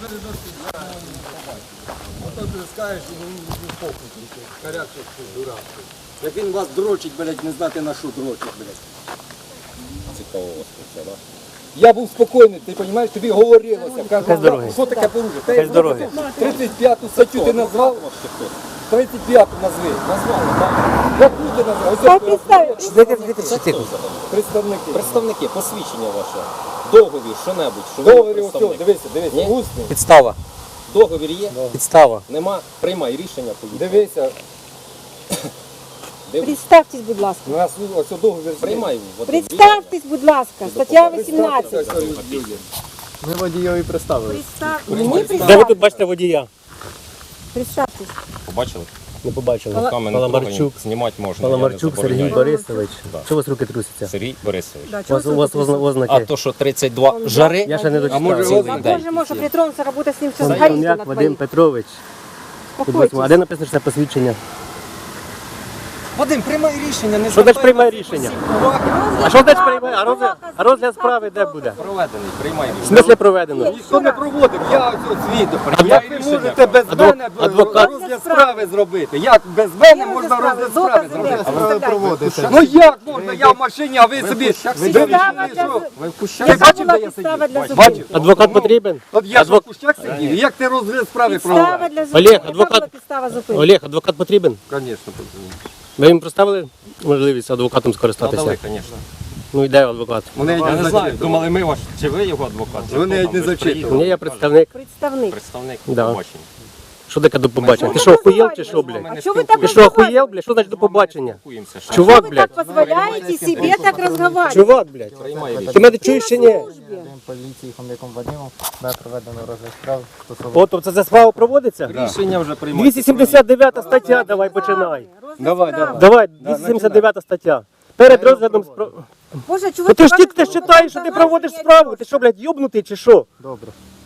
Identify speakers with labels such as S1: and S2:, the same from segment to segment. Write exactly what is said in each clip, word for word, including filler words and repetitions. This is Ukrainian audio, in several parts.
S1: Ото ти скажеш, він похуй, корячий дурак. Як він вас дрочить, блядь, не знати на що дрочить, блядь.
S2: Цікаво вас це, так?
S1: Я був спокійний, ти розумієш, тобі говорилося. Кажу, що таке порушення?
S3: дороги.
S1: тридцять п'яту статтю ти назвав? тридцять п'яту назви. Назвали, так? Яку ти назвав? Представники.
S2: Представники, посвідчення ваше. Договір, що-небудь. Що
S1: Договір, ось, дивися, дивися, усний.
S3: Підстава.
S2: Договір є?
S3: Підстава.
S2: Нема? Приймай рішення, поїдь.
S1: Дивися,
S4: Представтесь, будь ласка.
S1: у нас ось договір.
S2: Приймай.
S4: Представтесь, будь ласка. Стаття вісімнадцять.
S3: Ми водійові представили.
S4: Представ- Мені
S3: Де ви
S4: представтесь.
S3: тут бачите водія?
S4: Представтесь.
S2: Побачили?
S3: Не побачили.
S2: Руками не
S3: Паламарчук.
S2: трогані, знімати можна. я не
S3: Паламарчук Сергій
S2: забороняю.
S3: Борисович.
S2: Да.
S3: Що у вас руки трусяться?
S2: Сергій Борисович.
S4: Да,
S3: У вас, у вас озна-
S2: А
S3: ознаки.
S2: то, що тридцять два жари,
S3: Я ще не
S2: а може
S3: дочитав.
S2: цілий день.
S4: Боже, може притронуться, работа з ним все
S3: Хом'як
S4: згорить на
S3: Вадим
S4: твоїх.
S3: Петрович.
S4: Успокойтесь.
S3: А де написано, що це посвідчення?
S2: Вадим, приймай рішення, не
S3: Що значить приймає рішення? А що значить приймає? А розгляд, а розгляд справи де буде?
S2: Проведений, приймай
S3: В
S2: рішення.
S3: смислі проведено?
S1: Ніхто не проводив, я ось свідок.
S2: Приймай
S1: Як ви
S2: рішення.
S1: можете без
S3: Адвок-
S1: мене
S3: адвокат.
S1: розгляд справи зробити? Як без мене
S4: Є
S1: можна
S4: справи,
S1: розгляд справи
S4: докази
S1: зробити?
S4: де? Представляйте.
S1: Ну як можна? Я в машині, а ви собі...
S4: Підстава
S1: Ви
S4: для-
S1: що?
S2: Ви в
S1: Ти
S2: кущах?
S4: Яка
S1: бачив,
S4: була
S1: де я
S4: підстава
S1: сидів?
S4: для
S1: Бачив?
S4: зупинки?
S3: Адвокат потрібен?
S1: От я ж в
S3: Адвок-
S1: кущах сидів, як ти розгляд справи
S4: Підстава
S1: проводив?
S4: для зупинки.
S3: Олег,
S4: Яка
S3: адвокат.
S4: була підстава зупинки?
S3: Олег, адвокат потрібен?
S1: Звісно, потрібно.
S3: Ви їм представили можливість адвокатом скористатися?
S2: Надали, звісно.
S3: Ну і де адвокат?
S1: Вони
S2: Я не знаю,
S1: зачитували.
S2: думали ми ваш, чи ви його адвокат? чи
S1: Вони
S2: хто
S1: навіть
S2: там,
S1: не
S2: ви ж
S1: зачитували.
S2: приїхали,
S3: Ні, я представник.
S4: Представник.
S2: Представник
S3: Да.
S2: побачення.
S3: Що таке до побачення?
S4: Ми
S3: Ти
S4: не
S3: що, охуєл чи
S4: розмовляємо.
S3: що, блядь?
S4: А чого ви так
S3: Ти що, охуєл, блядь? Що значить до побачення?
S2: Спілкуємося, що
S3: Чувак,
S4: Вы
S3: блядь.
S4: так позволяете себе так разговаривать?
S3: Чувак, блядь.
S2: приймай рішення.
S3: Ти мене чуєш чи ні?
S5: Поліції Хом'яком Вадимом буде проведено розгляд справ стосовно
S3: От, тобто це справа проводиться?
S2: Рішення вже приймай.
S3: двісті сімдесят дев'ята стаття, давай починай.
S1: Давай, давай.
S3: Давай, двісті сімдесят дев'ята стаття. Перед розглядом справи.
S4: Боже,
S3: Ну
S4: чувак,
S3: ти ж тільки ти ж читаєш, що ти проводиш справу. Ти що, блядь, йобнутий чи що?
S5: добре.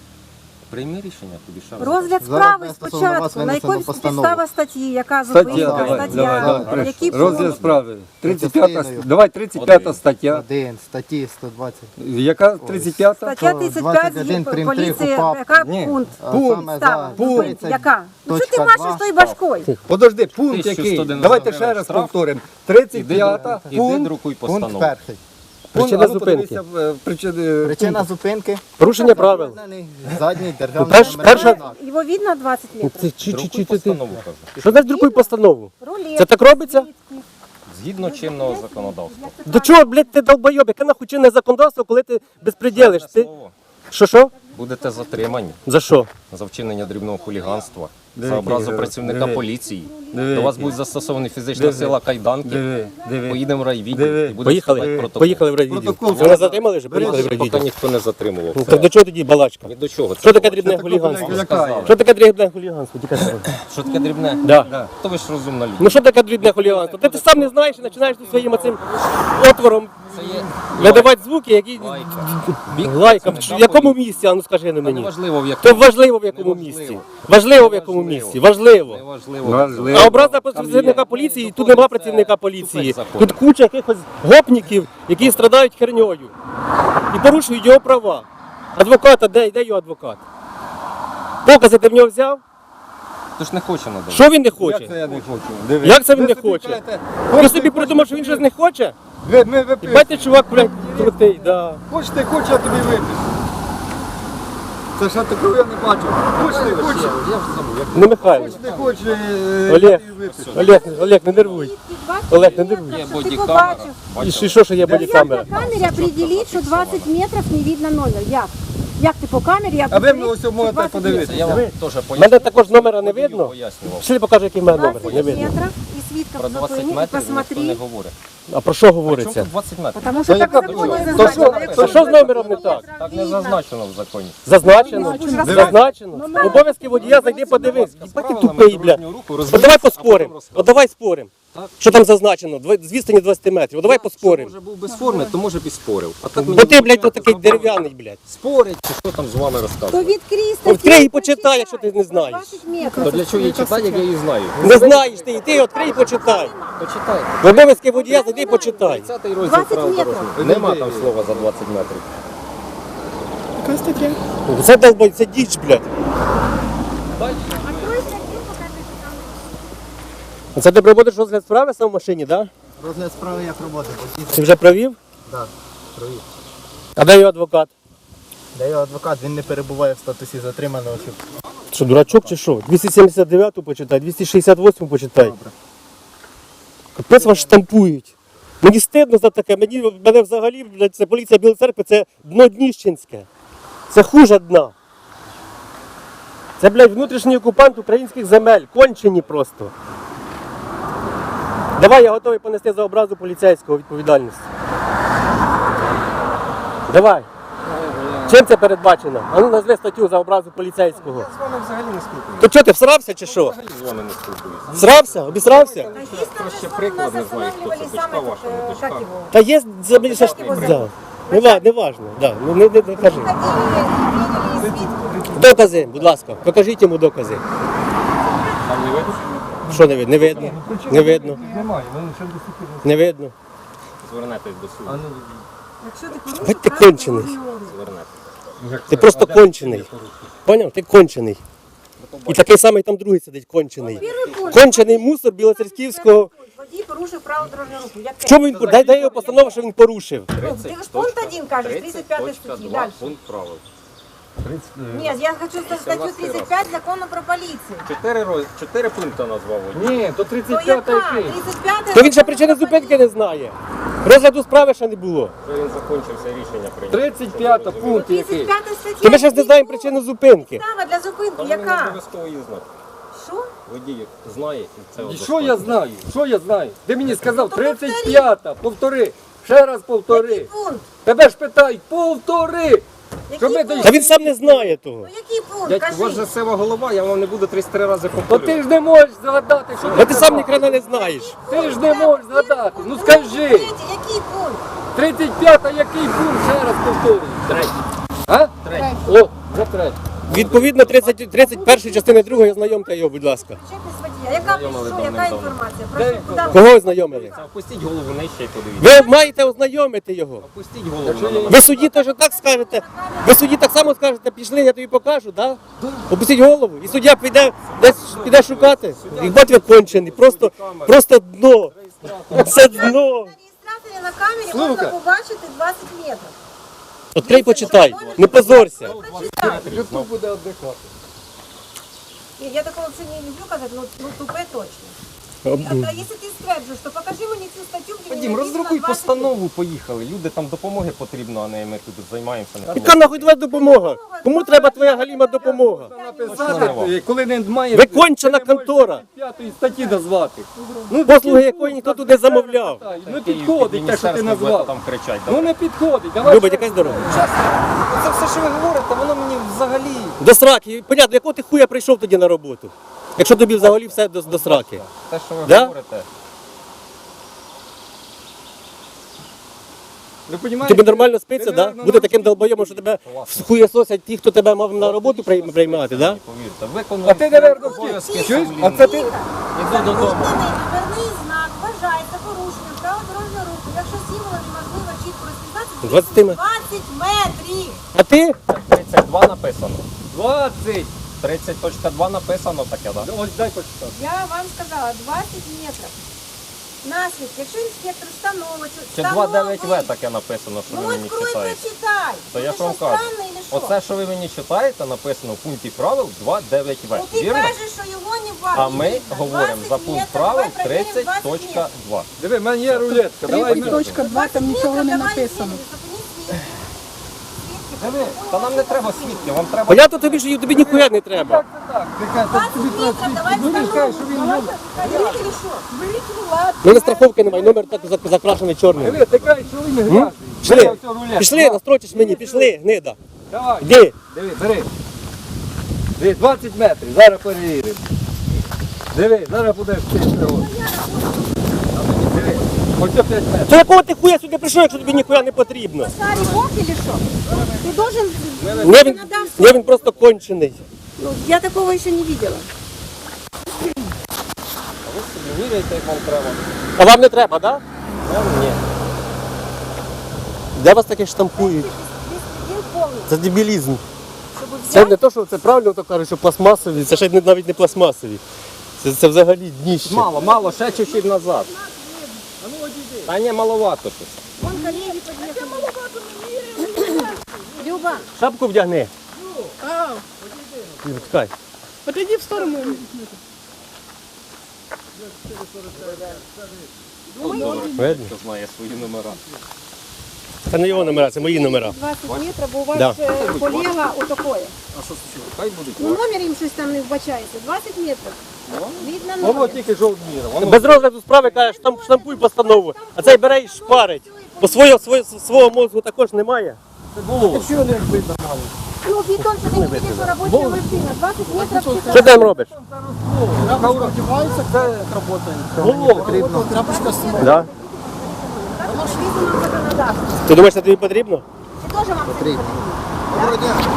S2: Прийми рішення, тобі ще раз.
S4: Розгляд
S5: Зараз
S4: справи
S5: стосовно вас
S4: спочатку. На
S5: винесено
S4: якій
S5: постанову.
S4: підстава статті, яка
S1: Стаття,
S4: зупинка,
S1: давай,
S4: стаття,
S1: давай, давай.
S4: які
S1: Розгляд
S4: пункти.
S1: справи. тридцять п'ята, давай тридцять п'ята стаття.
S5: Один, статті сто двадцять.
S1: Яка тридцять п'ята?
S4: Стаття тридцять п'ять
S5: двадцять один
S4: є
S5: прим. три
S4: поліції,
S5: КУпАП.
S4: яка
S1: Ні.
S4: пункт?
S5: А
S1: Пункт.
S5: саме
S4: Підстава,
S5: за
S4: зупинки,
S5: тридцять
S4: яка? Ну що ти
S5: точка
S4: машеш
S5: два.
S4: тою башкою?
S1: Подожди, пункт який?
S2: тисяча сто дев'яносто
S1: Давайте ще
S2: гривень
S1: раз
S2: штраф.
S1: повторимо. тридцять п'ята,
S2: Іди,
S1: пункт.
S2: друкуй
S5: Пункт
S2: постанову.
S5: перший.
S3: Причина
S1: а ну,
S3: зупинки.
S1: подивися, е, причини-
S5: Причина зупинки.
S3: Порушення правил.
S5: Задній державний
S3: перш-
S5: номерний
S3: перша-
S5: знак.
S4: Його видно двадцять метрів?
S3: Ти чи- чи-
S2: Друкуй
S3: чи- ти-
S2: постанову, кажу.
S3: Що значить друкуй постанову?
S4: Рулет.
S3: Це так робиться?
S2: Згідно чинного законодавства.
S3: До чого, блядь, ти долбойоб? Яке нахуй чинне законодавство, коли ти безпреділиш? Ти...
S2: Слово.
S3: Що, що?
S2: Будете затримані
S3: За що?
S2: за вчинення дрібного хуліганства,
S1: Диви,
S2: за образу
S1: диви,
S2: працівника
S1: диви.
S2: поліції.
S1: Диви,
S2: До вас
S1: диви.
S2: буде застосована фізична
S1: Диви.
S2: сила кайданки.
S1: Диви, диви.
S2: Поїдемо в райвідділ
S1: Диви.
S2: і будемо
S3: Поїхали?
S2: складати протокол.
S3: Поїхали в райвідділ.
S1: Протокол.
S3: Ви нас затримали вже? Поїхали в
S2: Поки
S3: райвідділ.
S2: ніхто не затримував.
S3: Ну, так до чого тоді балачка?
S2: Ні до чого.
S3: Що
S2: це
S3: таке
S2: було?
S3: дрібне
S1: такого
S3: хуліганство?
S1: не лякає.
S3: Що таке дрібне хуліганство? Тільки скажи.
S2: Що таке дрібне?
S3: Да.
S2: То ви ж розумна людина.
S3: Ну що таке дрібне хуліганство? Ти, ти сам не знаєш і починаєш тут своїм оцим отвором
S2: Це є
S3: видавати звуки, які
S2: лайка. Бік
S3: лайка. В
S2: працівника
S3: якому
S2: поліції.
S3: місці, а ну скажи на
S2: Та
S3: мені.
S2: неважливо в
S3: То
S2: якому.
S3: важливо в якому
S2: Неважливо.
S3: місці. Важливо в якому
S2: Неважливо.
S3: місці. Важливо.
S2: Неважливо.
S1: Важливо.
S3: А образа працівника поліції, тут нема працівника поліції.
S2: закон.
S3: Тут куча якихось гопників, які страдають херньою і порушують його права. Адвоката, де, де його адвокат? Докази ти в нього взяв?
S2: То ж не хоче надавати.
S3: Що він не
S1: Як
S3: хоче?
S1: це я не хочу? Диви.
S3: Як це він
S1: Ви
S3: не
S1: собі
S3: хоче?
S1: кажете,
S3: Ти
S1: хочете,
S3: собі придумав, що він щось не хоче?
S1: Ви, ми випишемо.
S3: Бачите, чувак, блядь, крутий, да.
S1: Хочете, хоче, я тобі випишу. Це ж я такого я не бачив. Хочете, хоче.
S3: Не Михайло.
S1: Хочете, хоче, е,
S3: Олег.
S1: я тобі випишу.
S3: Олег, Олег, не нервуй. Олег, не нервуй.
S2: Є
S4: Ти
S2: бодікамера.
S4: побачив.
S3: І що, що, що є
S4: Як
S3: бодікамера?
S4: на камері определить, що двадцять метрів не видно номер? Як? Як ти по камері
S1: А ви
S4: определить,
S1: мені ось
S4: що
S1: можете
S4: двадцять
S1: подивитися.
S2: Я вам теж
S3: У
S2: поясню.
S3: мене також номера не видно.
S2: Пояснював.
S3: Пішли покажу, який в мене номер. Не
S4: двадцять
S3: видно.
S4: метрів і свідка
S2: Про двадцять
S4: зупини і
S2: метрів ніхто не
S4: посмотри.
S2: говорить.
S3: А про що
S2: Чому
S3: говориться?
S2: тут двадцять метрів?
S4: Тому що
S1: Та
S4: так
S1: яка
S4: в законі
S1: причина?
S4: зазначено.
S1: То
S4: Якщо
S3: А що з номером не так?
S2: Так не зазначено в законі.
S3: Зазначено? Зазначено? Обов'язки водія, зайди подивись. Їбать ти тупий, бля. От давай поспоримо. От давай споримо. Що там зазначено? Дв- З відстані двадцять метрів. От давай поспоримо.
S2: Може був без форми, то може б і спорив. А так
S3: Бо ти, блядь, отакий дерев'яний, блядь.
S2: спорить, чи що там з вами
S4: То
S2: розказує.
S4: відкрий статтю.
S3: Відкрий і почитай, якщо ти не знаєш.
S4: двадцять метрів.
S2: То для чого її читати, як я її знаю?
S3: Не знаєш ти, йди, відкрий і почитай.
S2: Почитайте.
S3: В обов'язки водія, зайди і почитай.
S2: тридцятий розділ
S4: двадцять
S2: правил
S4: метрів.
S2: дорожнього. Нема там слова за двадцять метрів.
S6: Яка стаття?
S3: Це долбай, це діч, блядь. Це ти проводиш розгляд справи сам в машині, так? Да?
S5: Розгляд справи як роботи.
S3: Ти вже провів?
S5: Так, провів.
S3: А де його адвокат?
S5: Де його адвокат, він не перебуває в статусі затриманого. Щоб...
S3: Що, дурачок чи що? двісті сімдесят дев'яту почитай, двісті шістдесят восьму почитай.
S5: Добре.
S3: Капець вас штампують. Мені стидно за таке, мені, мене взагалі, блядь, це поліція Білої церкви, це дно Дніщенське. Це хуже дна. Це, блядь, внутрішній окупант українських земель, кончені просто. Давай, я готовий понести за образу поліцейського відповідальність. Давай. Чим це передбачено? А ну назви статтю за образу поліцейського.
S2: Я з вами взагалі не спілкуюся.
S3: То чого ти всрався чи що?
S2: Взагалі з вами не спілкуюся.
S3: Всрався? Обісрався?
S2: Проще приклад, не знаю, хто це, дочка ваша, не дочка.
S3: Та є за мені ще ж. Да. Не, ва- не важно, да. ну, не, не, не кажи. Докази, будь ласка, покажіть йому докази.
S2: Там не видно?
S3: Що не видно? Не видно. Не видно.
S1: Немає, вони ще до
S3: Не видно.
S2: Звернетесь до суду.
S3: Будь ти кончений.
S2: Звернетесь.
S3: Ти просто кончений. Поняв? Ти кончений. І такий самий там другий сидить, кончений. Кончений мусор Білоцерківського.
S4: Водій порушив право дорожнього руху. Як
S3: В чому він дай, дай його постанову, що він порушив?
S4: Ти ж пункт один кажеш, тридцять п'ятої статті. Далі.
S2: Пункт правил.
S4: Ні, я хочу статтю тридцять п'ять закону про поліцію.
S2: Чотири, роз... Чотири пункти назвав.
S1: Ні, то
S4: То
S1: тридцять
S4: яка?
S1: п'ята який?
S4: тридцять п'ята.
S3: То він ще причини зупинки не знає. Розгляду справи ще не було.
S2: Вже він закінчився, рішення прийняв.
S1: тридцять п'ята пункт який?
S4: тридцять п'ята стаття.
S3: То ми ще ж не знаємо причину зупинки.
S4: Підстава для зупинки,
S2: Та ви не
S4: яка?
S2: обов'язково її знати.
S4: Що?
S2: Водій знає, і це
S1: І що я знаю? Що я знаю? Ти мені сказав
S4: То
S1: тридцять п'ята, повтори. Ще раз повтори.
S4: Який пункт?
S1: Тебе ж питають, повтори. Щоб ми
S4: Який
S1: до-
S3: Та він сам не знає того.
S4: Ну який пункт?
S2: Дядько, у вас же
S4: Кажи.
S2: сива голова, я вам не буду тридцять три рази
S1: То
S2: повторювати.
S1: ти ж не можеш згадати, що
S3: Бо ти сам ні хрена не знаєш.
S1: Ти ж не можеш згадати. Ну
S4: Другий,
S1: скажи.
S4: третій, Який пункт?
S1: тридцять п'ята який пункт? Ще раз повторюй.
S2: Третій.
S1: А?
S2: Третій.
S1: О, вже третій.
S3: Відповідно тридцять, тридцять першої частини другої ознайомте його, будь ласка.
S4: Причепність водія. Яка
S2: Знайомили
S4: що, яка
S2: давним-давно.
S4: інформація?
S1: Де
S4: Прошу,
S1: інформація?
S4: куди?
S3: Кого ознайомили?
S2: Опустіть голову нижче і подивіться.
S3: Ви маєте ознайомити його.
S2: Опустіть голову
S1: Якщо
S2: на
S1: я-
S2: мене.
S3: Ви судді теж так скажете. Ви судді так само скажете, пішли, я тобі покажу, так? Опустіть голову. І суддя піде десь піде шукати. І бать ви кончений. Просто, просто дно. Це дно.
S4: На реєстраторі на камері можна
S1: Слухай.
S4: побачити двадцять метрів.
S3: Відкрий, почитай. Не позорся.
S4: Прочитай.
S1: Ютуб буде віддихати.
S4: Ні, я такого взагалі не люблю казати, ну, ну тупе точно. А, а якщо ти стверджуєш, то покажи мені цю статтю, де
S2: Вадим, роздрукуй постанову, поїхали. Люди там допомоги потрібно, а не ми тут займаємося.
S3: Яка нахуй твоя допомога? Кому треба твоя галіма допомога?
S1: Написати, коли не має...
S3: Ви кончена контора.
S1: П'ятої статті назвати. Ну,
S3: Послуги якої ніхто тут не замовляв.
S1: Ну підходить те, що ти назвав.
S2: Там кричать.
S1: Ну не підходить. Давай.
S3: Любить, якась дорога.
S2: Це все, що ви говорите, воно мені взагалі...
S3: До сраки. Понятно, якого ти хуя прийшов тоді на роботу? Якщо тобі взагалі все до, до сраки.
S2: Те, що ви
S3: Да?
S2: говорите.
S1: Ви понімаєте?
S3: Тобі нормально спиться,
S1: Ти,
S3: да?
S1: наверно,
S3: Буде таким долбойомом, що тебе хуєсосять ті, хто тебе мав на роботу прийм- приймати, да?
S2: Повірте, виконуємо
S1: А ти, наверно,
S2: обов'язки.
S1: чуєш?
S2: блін.
S1: А це ти...
S2: Іду додому.
S4: Номерний знак вважається порушенням правил дорожнього руху, якщо символи неможливо чітко розпізнати,
S3: двадцять метрів.
S4: двадцять метрів.
S3: А ти?
S2: тридцять два написано.
S1: двадцять.
S2: тридцять точка два написано таке, так? Да?
S1: Ось дай почитати.
S4: Я вам сказала, двадцять метрів. Наслідок, якщо інспектор встановить,
S2: Чи два дев'ять В таке написано, що
S4: Ну
S2: ви мені
S4: открой,
S2: читаєте?
S4: прочитай.
S2: То
S4: Ну,
S2: я
S4: ти
S2: ж вам
S4: що,
S2: кажу.
S4: странний или що?
S2: Оце, що ви мені читаєте, написано в пункті правил два дев'ять В.
S4: Ну ти
S2: Вірно?
S4: кажеш, що його не бачиш.
S2: А ми говоримо за пункт правил тридцять точка два.
S1: Диви, в мене є рулетка. Давай.
S6: тридцять точка два, там нічого не написано.
S1: Диви.
S2: Та нам не треба свідків, вам треба...
S3: Понятно тобі, що тобі ніхуя не треба.
S1: Так, це так. Ти кажеш,
S4: двадцять
S1: тобі треба
S4: метрів, давай
S1: свідки. Ну, він каже, що він
S4: встановимо.
S1: любить.
S4: Беріть или що? Беріть, ну ладно.
S3: Ну, страховки немає, номер так зак- закрашений чорним.
S1: Диви, ти кажеш, що він грязний.
S3: Пішли,
S1: Бери оцю рулетку.
S3: пішли, настрочиш мені, пішли, гнида.
S1: Давай.
S3: Йди.
S1: Диви, бери. Диви, двадцять метрів, зараз перевіримо. Диви, зараз будеш чисто. Диви, ось п'ять метрів.
S3: То якого ти хуя сюди прийшов, якщо тобі ніхуя не потрібно?
S4: Старый бог или что? Ты должен...
S3: Не він, не він просто кончений.
S4: Ну, я такого еще не видела.
S2: Ви собі міряєте, як вам треба.
S3: А вам не треба, так?
S2: Нам ні.
S3: Де вас таке штампують?
S4: Беспредел полный.
S3: Це дебілізм.
S4: Щоб
S3: Це
S4: взяти.
S3: не то, що це правильно то кажуть, що пластмасові, це ще не- навіть не пластмасові. Це, це взагалі дніще.
S2: Мало, мало, ще чуть-чуть назад. Та ні, маловато щось.
S4: Вон коллеги подъехали. Люба,
S3: Шапку вдягни.
S6: А,
S3: Люба, чекай.
S6: отойди в сторону.
S3: Видно?
S2: Хто знає свої номера.
S3: Це не його номера, це мої номера.
S4: двадцять метрів, бо у вас
S3: Да.
S4: е, поліга отакое.
S2: Хай будуть.
S4: Ну номер їм щось там не вбачається. двадцять метрів. Видно
S2: Воно
S4: номер.
S2: тільки жовтніє. Воно
S3: Без розгляду справи каже, штамп, штампуй постанову. А цей бере і шпарить. Бо свого, свого, свого мозку також немає.
S4: Ну, бетон, що ти не видиш, що робоча машина. двадцять метрів.
S3: Що ти там робиш? Да?
S4: Так, відповідно нам законодавство.
S3: Ти думаєш, це тобі потрібно?
S4: Це теж вам потрібно.